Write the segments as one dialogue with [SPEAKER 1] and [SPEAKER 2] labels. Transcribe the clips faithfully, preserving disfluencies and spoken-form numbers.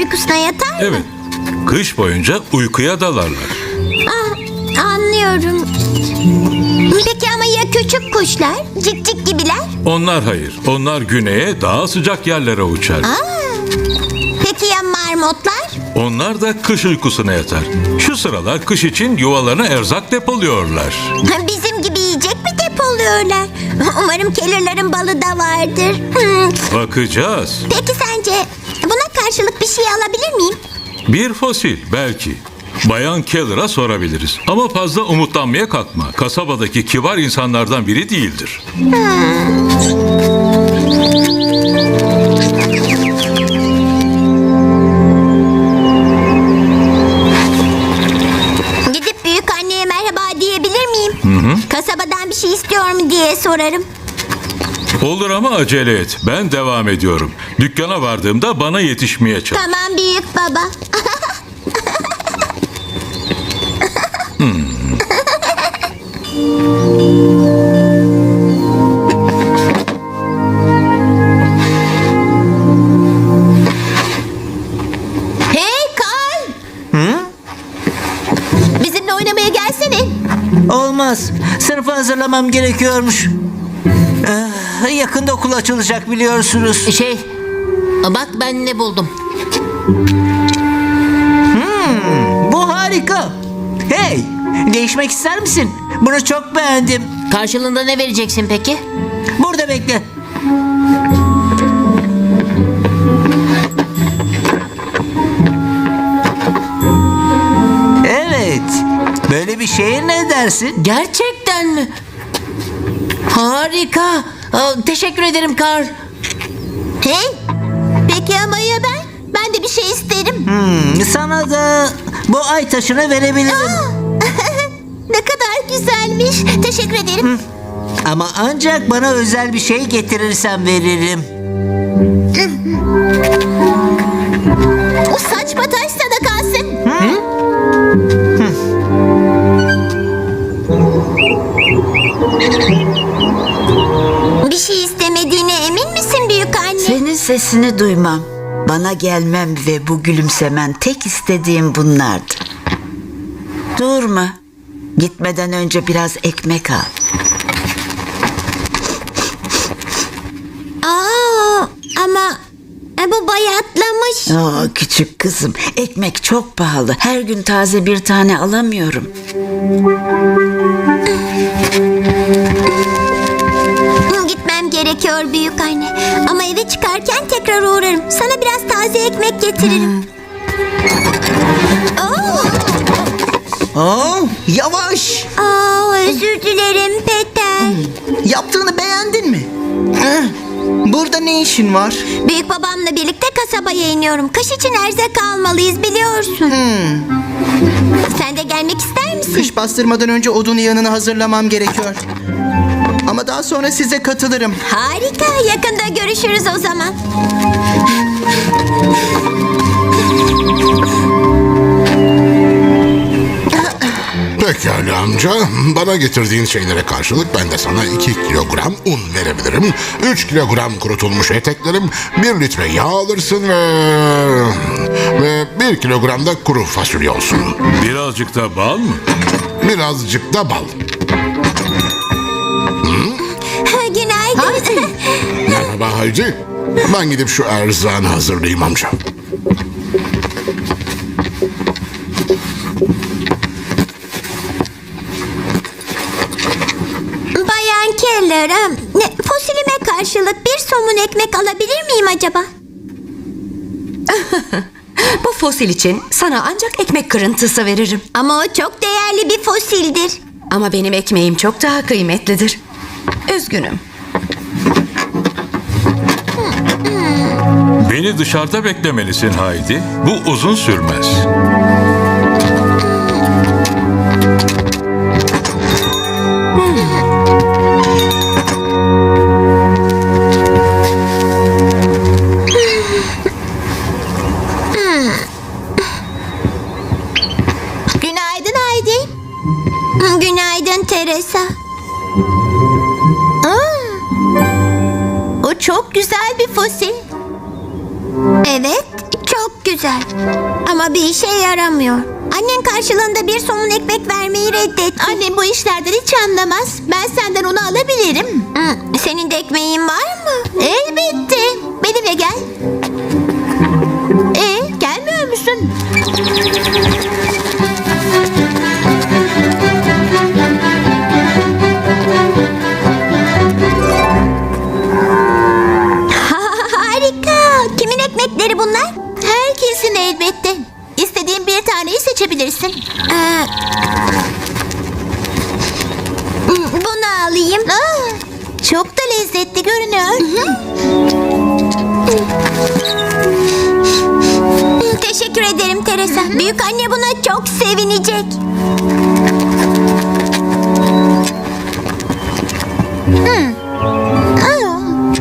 [SPEAKER 1] uykusuna yatar mı?
[SPEAKER 2] Evet. Kış boyunca uykuya dalarlar.
[SPEAKER 1] Ah, anlıyorum. Peki ama ya küçük kuşlar? Cikcik gibiler?
[SPEAKER 2] Onlar hayır. Onlar güneye, daha sıcak yerlere uçar.
[SPEAKER 1] Aa, peki ya marmotlar?
[SPEAKER 2] Onlar da kış uykusuna yatar. Şu sıralar kış için yuvalarına erzak depoluyorlar.
[SPEAKER 1] Bizim gibi yiyecek mi depoluyorlar? Umarım kelirlerin balı da vardır. Hmm.
[SPEAKER 2] Bakacağız.
[SPEAKER 1] Peki sence buna karşılık bir şey alabilir miyim?
[SPEAKER 2] Bir fosil belki. Bayan Keller'a sorabiliriz. Ama fazla umutlanmaya kalkma. Kasabadaki kibar insanlardan biri değildir.
[SPEAKER 1] Gidip büyük anneye merhaba diyebilir miyim?
[SPEAKER 2] Hı hı.
[SPEAKER 1] Kasabadan bir şey istiyor mu diye sorarım.
[SPEAKER 2] Olur ama acele et. Ben devam ediyorum. Dükkana vardığımda bana yetişmeye çalış.
[SPEAKER 1] Tamam büyük baba. Hey Karl!
[SPEAKER 3] Hı?
[SPEAKER 1] Bizimle oynamaya gelsene.
[SPEAKER 3] Olmaz. Sınıfı hazırlamam gerekiyormuş. Ah, yakında okul açılacak biliyorsunuz.
[SPEAKER 4] Şey, bak ben ne buldum.
[SPEAKER 3] Bu harika. Hey, değişmek ister misin? Bunu çok beğendim.
[SPEAKER 4] Karşılığında ne vereceksin peki?
[SPEAKER 3] Burada bekle. Evet. Böyle bir şeye ne dersin?
[SPEAKER 4] Gerçekten mi? Harika. Aa, teşekkür ederim Karl.
[SPEAKER 1] Hey, peki ama ya ben? Ben de bir şey isterim.
[SPEAKER 3] Hmm, sana da bu ay taşını verebilirim.
[SPEAKER 1] Ne kadar güzelmiş. Teşekkür ederim.
[SPEAKER 3] Ama ancak bana özel bir şey getirirsen veririm.
[SPEAKER 1] O saçma taş sana kalsın. Bir şey istemediğine emin misin büyük anne?
[SPEAKER 5] Senin sesini duymam, bana gelmem ve bu gülümsemen tek istediğim bunlardı. Durma. Gitmeden önce biraz ekmek al.
[SPEAKER 1] Aa, ama e, bu bayatlamış.
[SPEAKER 5] Aa, küçük kızım, ekmek çok pahalı. Her gün taze bir tane alamıyorum.
[SPEAKER 1] Gitmem gerekiyor büyük anne. Ama eve çıkarken tekrar uğrarım. Sana biraz taze ekmek getiririm. Oo,
[SPEAKER 6] Aa, yavaş.
[SPEAKER 1] aa, özür dilerim Peter.
[SPEAKER 6] Yaptığını beğendin mi? Eh, burada ne işin var?
[SPEAKER 1] Büyük babamla birlikte kasabaya iniyorum. Kış için erzak almalıyız biliyorsun. Sen de gelmek ister misin?
[SPEAKER 6] Kış bastırmadan önce odun yanını hazırlamam gerekiyor. Ama daha sonra size katılırım.
[SPEAKER 1] Harika. Yakında görüşürüz o zaman.
[SPEAKER 7] Pekala amca. Bana getirdiğin şeylere karşılık ben de sana iki kilogram un verebilirim. Üç kilogram kurutulmuş eteklerim, bir litre yağ alırsın ve... Ve bir kilogram da kuru fasulye olsun.
[SPEAKER 2] Birazcık da bal mı?
[SPEAKER 7] Birazcık da bal.
[SPEAKER 1] Günaydın.
[SPEAKER 7] Merhaba Haydi. Ben gidip şu erzağını hazırlayayım amca.
[SPEAKER 1] Bayan Keller, ha, ne- fosilime karşılık bir somun ekmek alabilir miyim acaba?
[SPEAKER 8] Bu fosil için sana ancak ekmek kırıntısı veririm.
[SPEAKER 1] Ama o çok değerli bir fosildir.
[SPEAKER 8] Ama benim ekmeğim çok daha kıymetlidir. Üzgünüm.
[SPEAKER 2] Beni dışarıda beklemelisin Haydi. Bu uzun sürmez.
[SPEAKER 1] Günaydın Haydi. Günaydın Teresa. Aa, o çok güzel bir fosil. Evet, Çok güzel. Ama bir işe yaramıyor. Annen karşılığında bir somun ekmek vermeyi reddetti.
[SPEAKER 9] Annem bu işlerden hiç anlamaz. Ben senden onu alabilirim.
[SPEAKER 1] Hı, senin de ekmeğin var mı?
[SPEAKER 9] Elbette. Benimle gel. E, gelmiyor musun?
[SPEAKER 1] Harika. Kimin ekmekleri bunlar?
[SPEAKER 9] Herkesin elbette. İstediğin bir taneyi seçebilirsin.
[SPEAKER 1] Ee, bunu alayım.
[SPEAKER 9] Aa, çok da lezzetli görünüyor.
[SPEAKER 1] Teşekkür ederim Teresa. Büyük anne buna çok sevinecek.
[SPEAKER 9] Aa,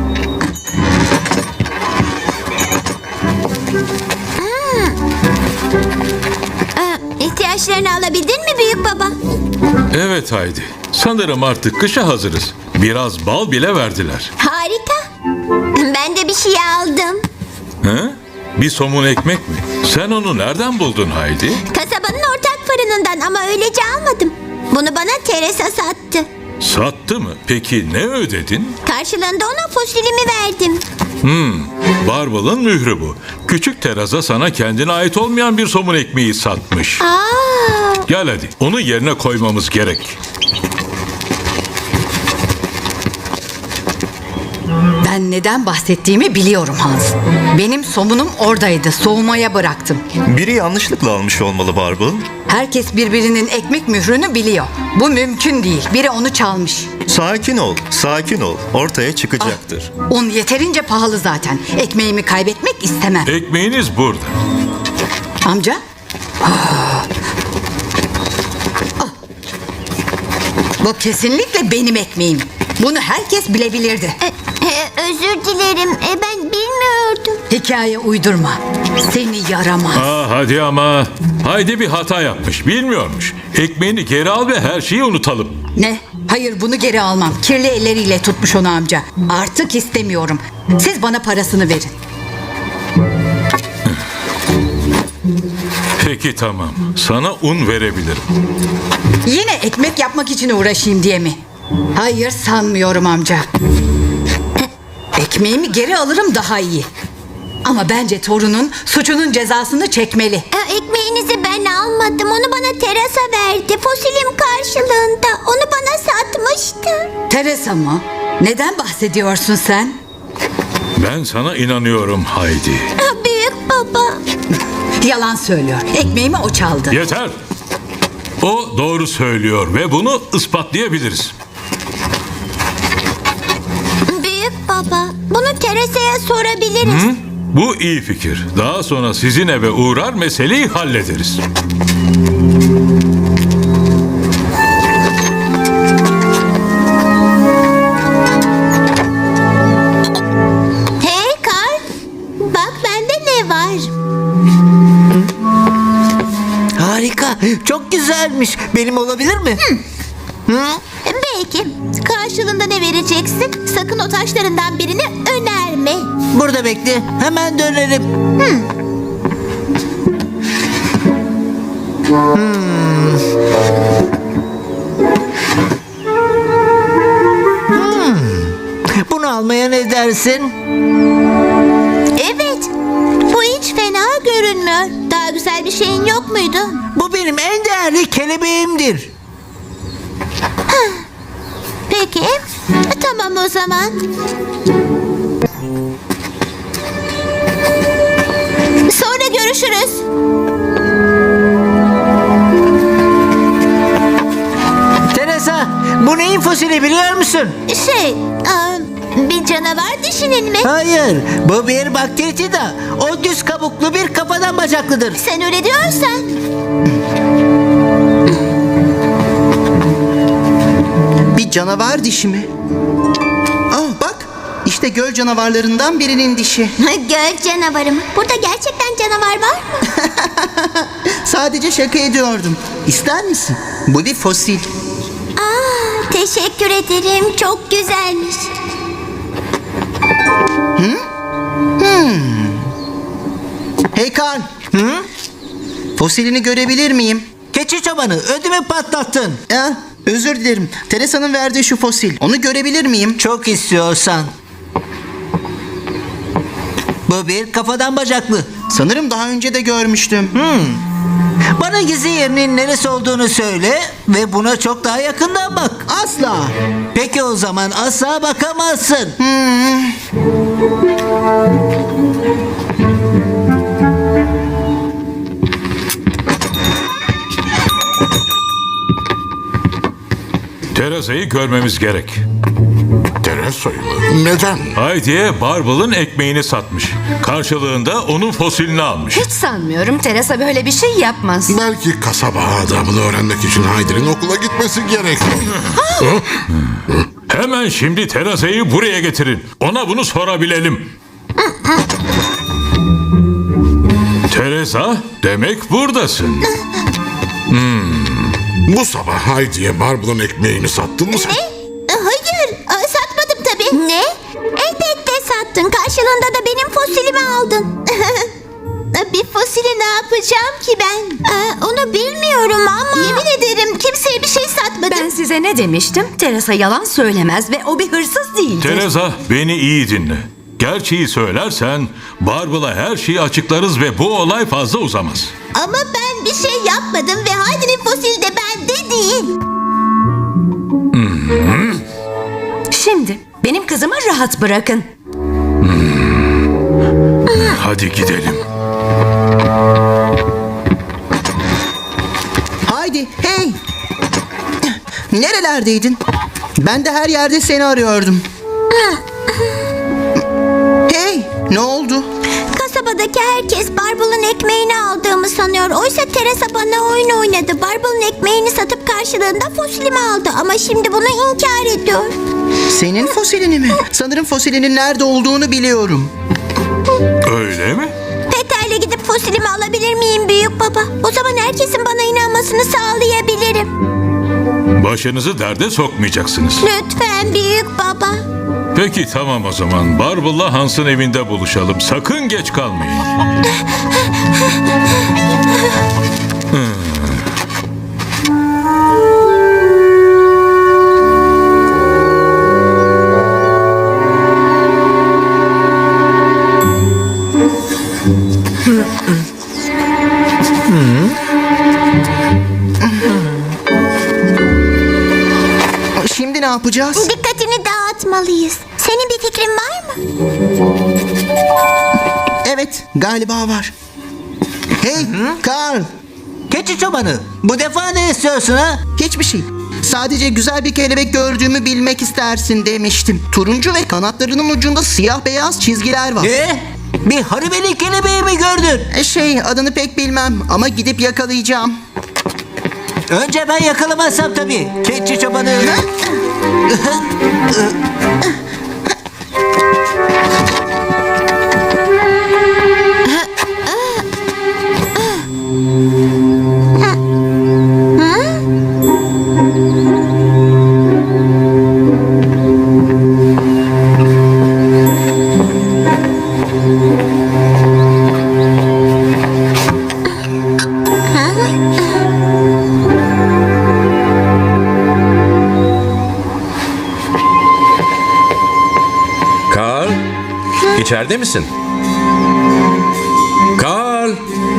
[SPEAKER 1] Ee, ihtiyaçlarını alabildin mi büyük baba?
[SPEAKER 2] Evet Haydi. Sanırım artık kışa hazırız. Biraz bal bile verdiler.
[SPEAKER 1] Harika. Ben de bir şey aldım.
[SPEAKER 2] He? Bir somun ekmek mi? Sen onu nereden buldun Haydi?
[SPEAKER 1] Kasabanın ortak fırınından ama öylece almadım. Bunu bana Teresa sattı.
[SPEAKER 2] Sattı mı? Peki ne ödedin?
[SPEAKER 1] Karşılığında ona fosilimi verdim.
[SPEAKER 2] Barbel'ın mührü bu. Küçük Teresa sana kendine ait olmayan bir somun ekmeği satmış.
[SPEAKER 1] Aa,
[SPEAKER 2] Gel hadi, onu yerine koymamız gerek.
[SPEAKER 8] Ben neden bahsettiğimi biliyorum Hans. Benim somunum oradaydı. Soğumaya bıraktım.
[SPEAKER 10] Biri yanlışlıkla almış olmalı Barbel.
[SPEAKER 8] Herkes birbirinin ekmek mührünü biliyor. Bu mümkün değil. Biri onu çalmış.
[SPEAKER 10] Sakin ol, sakin ol. Ortaya çıkacaktır.
[SPEAKER 8] Un yeterince pahalı zaten. Ekmeğimi kaybetmek istemem.
[SPEAKER 2] Ekmeğiniz burada.
[SPEAKER 8] Amca? Ah. Ah. Bu kesinlikle benim ekmeğim. Bunu herkes bilebilirdi.
[SPEAKER 1] e, e, özür dilerim. E, ben bilmiyordum.
[SPEAKER 8] Hikaye uydurma. Seni yaramaz.
[SPEAKER 2] Aa, hadi ama. Haydi bir hata yapmış, bilmiyormuş. Ekmeğini geri al ve her şeyi unutalım.
[SPEAKER 8] Ne? Hayır, bunu geri almam. Kirli elleriyle tutmuş onu amca. Artık istemiyorum. Siz bana parasını verin.
[SPEAKER 2] Peki tamam, sana un verebilirim.
[SPEAKER 8] Yine ekmek yapmak için uğraşayım diye mi? Hayır, sanmıyorum amca. Ekmeğimi geri alırım daha iyi. Ama bence torunun suçunun cezasını çekmeli.
[SPEAKER 1] E, ekmeğinizi ben almadım. Onu bana Teresa verdi. Fosilim karşılığında. Onu bana satmıştı.
[SPEAKER 8] Teresa mı? Neden bahsediyorsun sen?
[SPEAKER 2] Ben sana inanıyorum Haydi.
[SPEAKER 1] Ah, büyük baba.
[SPEAKER 8] Yalan söylüyor. Ekmeğimi o çaldı.
[SPEAKER 2] Yeter. O doğru söylüyor ve bunu ispatlayabiliriz.
[SPEAKER 1] Büyük baba. Bunu Teresa'ya sorabiliriz.
[SPEAKER 2] Hı? Bu iyi fikir. Daha sonra sizin eve uğrar, meseleyi hallederiz.
[SPEAKER 9] Hey Karl. Bak bende ne var?
[SPEAKER 3] Harika. Çok güzelmiş. Benim olabilir mi?
[SPEAKER 9] Belki. Karşılığında ne vereceksin? Sakın o taşlarından birini önerme.
[SPEAKER 3] Burada bekle. Hemen dönerim. Hmm. Hmm. Bunu almaya ne dersin?
[SPEAKER 9] Evet. Bu hiç fena görünmüyor. Daha güzel bir şeyin yok muydu?
[SPEAKER 3] Bu benim en değerli kelebeğimdir.
[SPEAKER 9] Peki. Tamam o zaman. Sonra görüşürüz.
[SPEAKER 3] Teresa, bu neyin fosili biliyor musun?
[SPEAKER 9] Şey, aa, bir canavar dişinin mi?
[SPEAKER 3] Hayır, bu bir bakteritida. O düz kabuklu bir kafadan bacaklıdır.
[SPEAKER 9] Sen öyle diyorsan.
[SPEAKER 6] Bir canavar dişi mi? Ah bak, işte göl canavarlarından birinin dişi.
[SPEAKER 1] Göl canavarı mı? Burada gerçekten canavar var mı?
[SPEAKER 6] Sadece şaka ediyordum. İster misin? Bu bir fosil.
[SPEAKER 1] Aa, teşekkür ederim. Çok güzelmiş.
[SPEAKER 6] Hey Hey Karl. Hı? Fosilini görebilir miyim?
[SPEAKER 3] Keçi çobanı ödümü patlattın.
[SPEAKER 6] Ya, özür dilerim. Teresa'nın verdiği şu fosil. Onu görebilir miyim?
[SPEAKER 3] Çok istiyorsan. Bu bir kafadan bacaklı.
[SPEAKER 6] Sanırım daha önce de görmüştüm.
[SPEAKER 3] Bana gizli yerinin neresi olduğunu söyle ve buna çok daha yakından bak.
[SPEAKER 6] Asla.
[SPEAKER 3] Peki o zaman asla bakamazsın.
[SPEAKER 2] Teresa'yı görmemiz gerek.
[SPEAKER 7] Teresa'yı mı? Neden?
[SPEAKER 2] Haydi'ye Barbel'ın ekmeğini satmış. Karşılığında onun fosilini almış.
[SPEAKER 11] Hiç sanmıyorum Teresa böyle bir şey yapmaz.
[SPEAKER 7] Belki kasaba adabını öğrenmek için Haydi'nin okula gitmesi gerek.
[SPEAKER 2] Hemen şimdi Teresa'yı buraya getirin. Ona bunu sorabilelim. Teresa, demek buradasın.
[SPEAKER 7] Bu sabah Haydi'ye Barbel'ın ekmeğini sattın mı sen?
[SPEAKER 9] Ne? Hayır, Aa, satmadım tabii.
[SPEAKER 1] Ne? Elbette sattın. Karşılığında da benim fosilimi aldın.
[SPEAKER 9] Bir fosili ne yapacağım ki ben?
[SPEAKER 1] Ee, onu bilmiyorum ama...
[SPEAKER 9] Yemin ederim kimseye bir şey satmadım.
[SPEAKER 11] Ben size ne demiştim? Teresa yalan söylemez ve o bir hırsız değildir.
[SPEAKER 2] Teresa, beni iyi dinle. Gerçeği söylersen Barbel'a her şeyi açıklarız ve bu olay fazla uzamaz.
[SPEAKER 9] Ama ben bir şey yapmadım ve Haydi'nin fosili de bende değil.
[SPEAKER 11] Şimdi benim kızımı rahat bırakın.
[SPEAKER 2] Hadi gidelim.
[SPEAKER 6] Haydi, hey. Nerelerdeydin? Ben de her yerde seni arıyordum. Hey, ne oldu?
[SPEAKER 1] Kasabadaki herkes Barbel'ın ekmeğini aldığımı sanıyor. Oysa Teresa bana oyun oynadı. Barbel'ın ekmeğini satıp karşılığında fosilimi aldı. Ama şimdi bunu inkar ediyor.
[SPEAKER 6] Senin fosilini mi? Sanırım fosilinin nerede olduğunu biliyorum.
[SPEAKER 2] Öyle mi?
[SPEAKER 1] Peter'le gidip fosilimi alabilir miyim büyük baba? O zaman herkesin bana inanmasını sağlayabilirim.
[SPEAKER 2] Başınızı derde sokmayacaksınız.
[SPEAKER 1] Lütfen büyük baba.
[SPEAKER 2] Peki tamam o zaman. Barbel'la Hans'ın evinde buluşalım. Sakın geç kalmayın.
[SPEAKER 6] Şimdi ne yapacağız?
[SPEAKER 1] Dikkatini dağıtmalıyız. Senin bir fikrin var mı?
[SPEAKER 6] Evet, galiba var. Hey, Karl.
[SPEAKER 3] Keçi çobanı bu defa ne istiyorsun ha?
[SPEAKER 6] Hiçbir şey. Sadece güzel bir kelebek gördüğümü bilmek istersin demiştim. Turuncu ve kanatlarının ucunda siyah beyaz çizgiler var.
[SPEAKER 3] Ne? Bir haribeli kelebeği mi gördün?
[SPEAKER 6] E, Şey, adını pek bilmem ama gidip yakalayacağım.
[SPEAKER 3] Önce ben yakalamazsam tabii. Keçi çobanı.
[SPEAKER 12] Karl, içeride misin? Karl!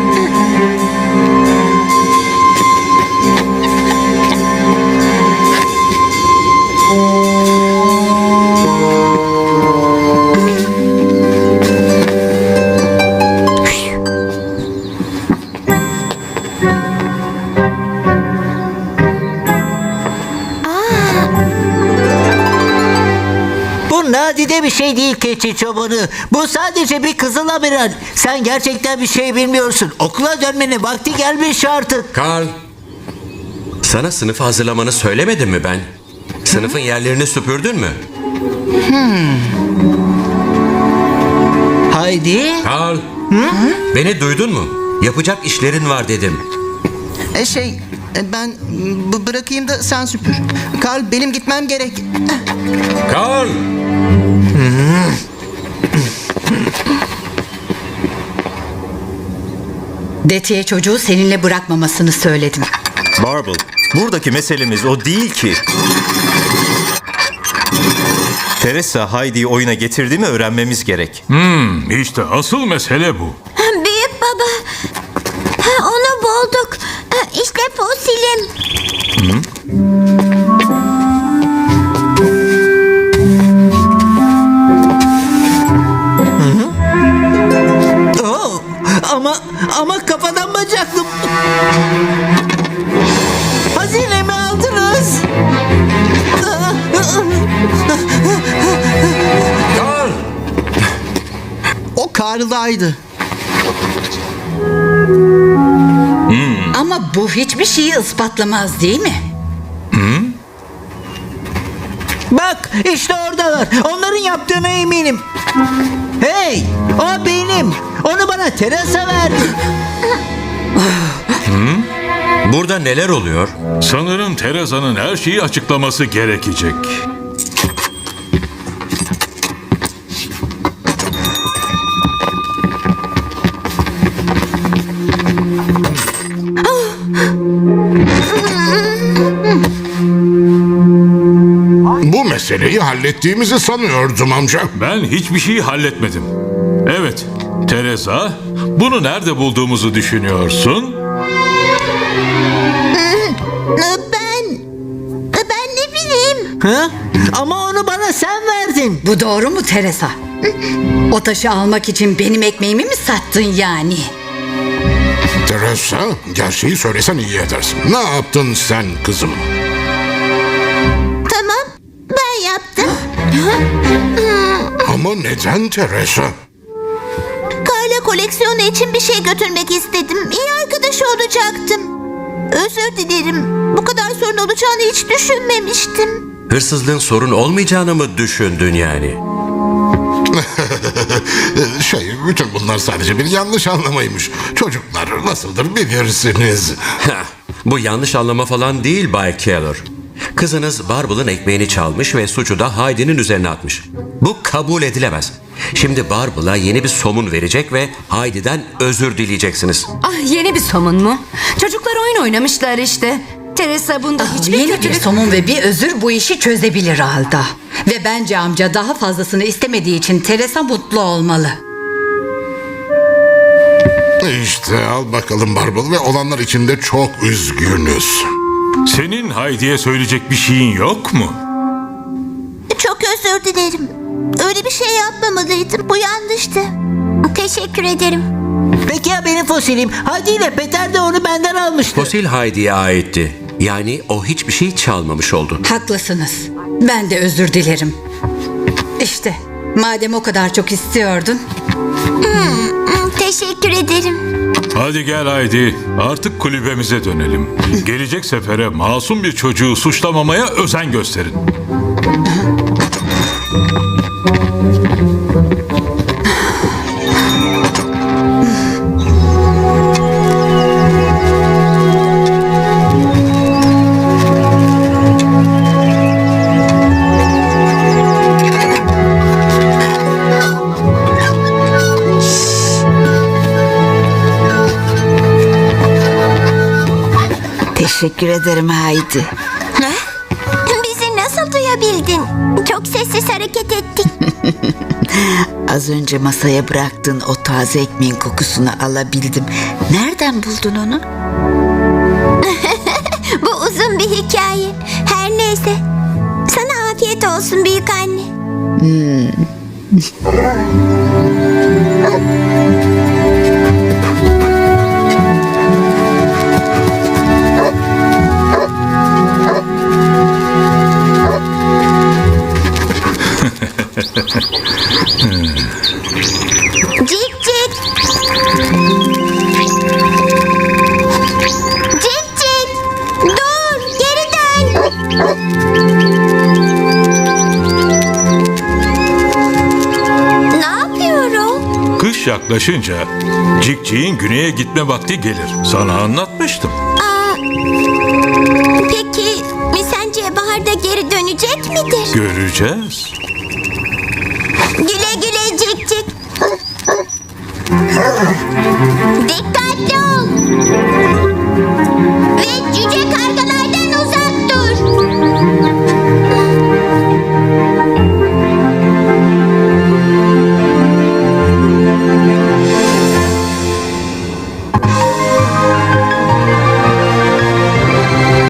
[SPEAKER 3] Bu nadide bir şey değil keçi çobanı. Bu sadece bir kızıl amiral. Sen gerçekten bir şey bilmiyorsun. Okula dönmenin vakti gelmiş artık.
[SPEAKER 12] Karl! Sana sınıfı hazırlamanı söylemedim mi ben? Sınıfın yerlerini süpürdün mü?
[SPEAKER 3] Haydi.
[SPEAKER 12] Karl! Beni duydun mu? Yapacak işlerin var dedim.
[SPEAKER 6] E şey, e, ben b- bırakayım da sen süpür. Karl, benim gitmem gerek.
[SPEAKER 12] Karl!
[SPEAKER 8] Detiye çocuğu seninle bırakmamasını söyledim.
[SPEAKER 10] Barble, buradaki meselemiz o değil ki. Teresa Heidi'yi oyuna getirdi mi öğrenmemiz gerek.
[SPEAKER 2] Hmm, işte asıl mesele bu.
[SPEAKER 1] Büyük baba. Ha, onu bulduk. Ha, İşte fosilim.
[SPEAKER 3] Oo, ama ama kafadan bacaklım. Hazinemi aldınız.
[SPEAKER 6] O Karl'daydı.
[SPEAKER 8] Ama bu hiçbir şeyi ispatlamaz değil mi?
[SPEAKER 3] Bak işte oradalar. Onların yaptığına eminim. Hey, o benim. Onu bana Teresa verdi.
[SPEAKER 12] Burada neler oluyor?
[SPEAKER 2] Sanırım Teresa'nın her şeyi açıklaması gerekecek.
[SPEAKER 7] Bu meseleyi hallettiğimizi sanıyordum amca.
[SPEAKER 2] Ben hiçbir şeyi halletmedim. Evet, Teresa, bunu nerede bulduğumuzu düşünüyorsun?
[SPEAKER 1] Ben... Ben ne bileyim.
[SPEAKER 3] Ha? Ama onu bana sen verdin.
[SPEAKER 8] Bu doğru mu Teresa? O taşı almak için benim ekmeğimi mi sattın yani?
[SPEAKER 7] Teresa, gerçeği söylesen iyi edersin. Ne yaptın sen kızım?
[SPEAKER 1] Tamam. Ben yaptım.
[SPEAKER 7] Ama neden Teresa?
[SPEAKER 1] Karla koleksiyonu için bir şey götürmek istedim. İyi arkadaş olacaktım. Özür dilerim. Bu kadar sorun olacağını hiç düşünmemiştim.
[SPEAKER 12] Hırsızlığın sorun olmayacağını mı düşündün yani?
[SPEAKER 7] Şey, bütün bunlar sadece bir yanlış anlamaymış. Çocuklar nasıldır bilirsiniz.
[SPEAKER 12] Heh, bu yanlış anlama falan değil Bay Keller. Kızınız Barble'ın ekmeğini çalmış ve suçu da Heidi'nin üzerine atmış. Bu kabul edilemez. Şimdi Barble'a yeni bir somun verecek ve Heidi'den özür dileyeceksiniz.
[SPEAKER 11] Ah, yeni bir somun mu? Çocuklar oyun oynamışlar işte. Teresa bunda hiçbir
[SPEAKER 8] Yeni bir
[SPEAKER 11] kötülük...
[SPEAKER 8] somun ve bir özür bu işi çözebilir Alda. Ve bence amca daha fazlasını istemediği için Teresa mutlu olmalı.
[SPEAKER 7] İşte al bakalım Barble ve olanlar için de çok üzgünüz.
[SPEAKER 2] Senin Heidi'ye söyleyecek bir şeyin yok mu?
[SPEAKER 1] Çok özür dilerim. Öyle bir şey yapmamalıydım. Bu yanlıştı. Teşekkür ederim.
[SPEAKER 3] Peki ya benim fosilim? Hadi ile Peter de onu benden almıştı.
[SPEAKER 12] Fosil Heidi'ye aitti. Yani o hiçbir şey çalmamış oldu.
[SPEAKER 8] Haklısınız. Ben de özür dilerim. İşte madem o kadar çok istiyordun.
[SPEAKER 1] Teşekkür ederim.
[SPEAKER 2] Hadi gel Heidi, artık kulübemize dönelim. Gelecek sefere masum bir çocuğu suçlamamaya özen gösterin.
[SPEAKER 5] Teşekkür ederim Haydi.
[SPEAKER 1] Ne? Bizi nasıl duyabildin? Çok sessiz hareket ettik.
[SPEAKER 5] Az önce masaya bıraktığın o taze ekmeğin kokusunu alabildim. Nereden buldun onu?
[SPEAKER 1] Bu uzun bir hikaye. Her neyse. Sana afiyet olsun büyük anne. Cik cik. Cik cik. Dur, geri dön. Ne yapıyorum?
[SPEAKER 2] Kış yaklaşınca Cikcik'in güneye gitme vakti gelir. Sana anlatmıştım.
[SPEAKER 1] Aa, peki sence baharda geri dönecek midir?
[SPEAKER 2] Göreceğiz.
[SPEAKER 1] Güle güle cik cik. Dikkatli ol. Aa!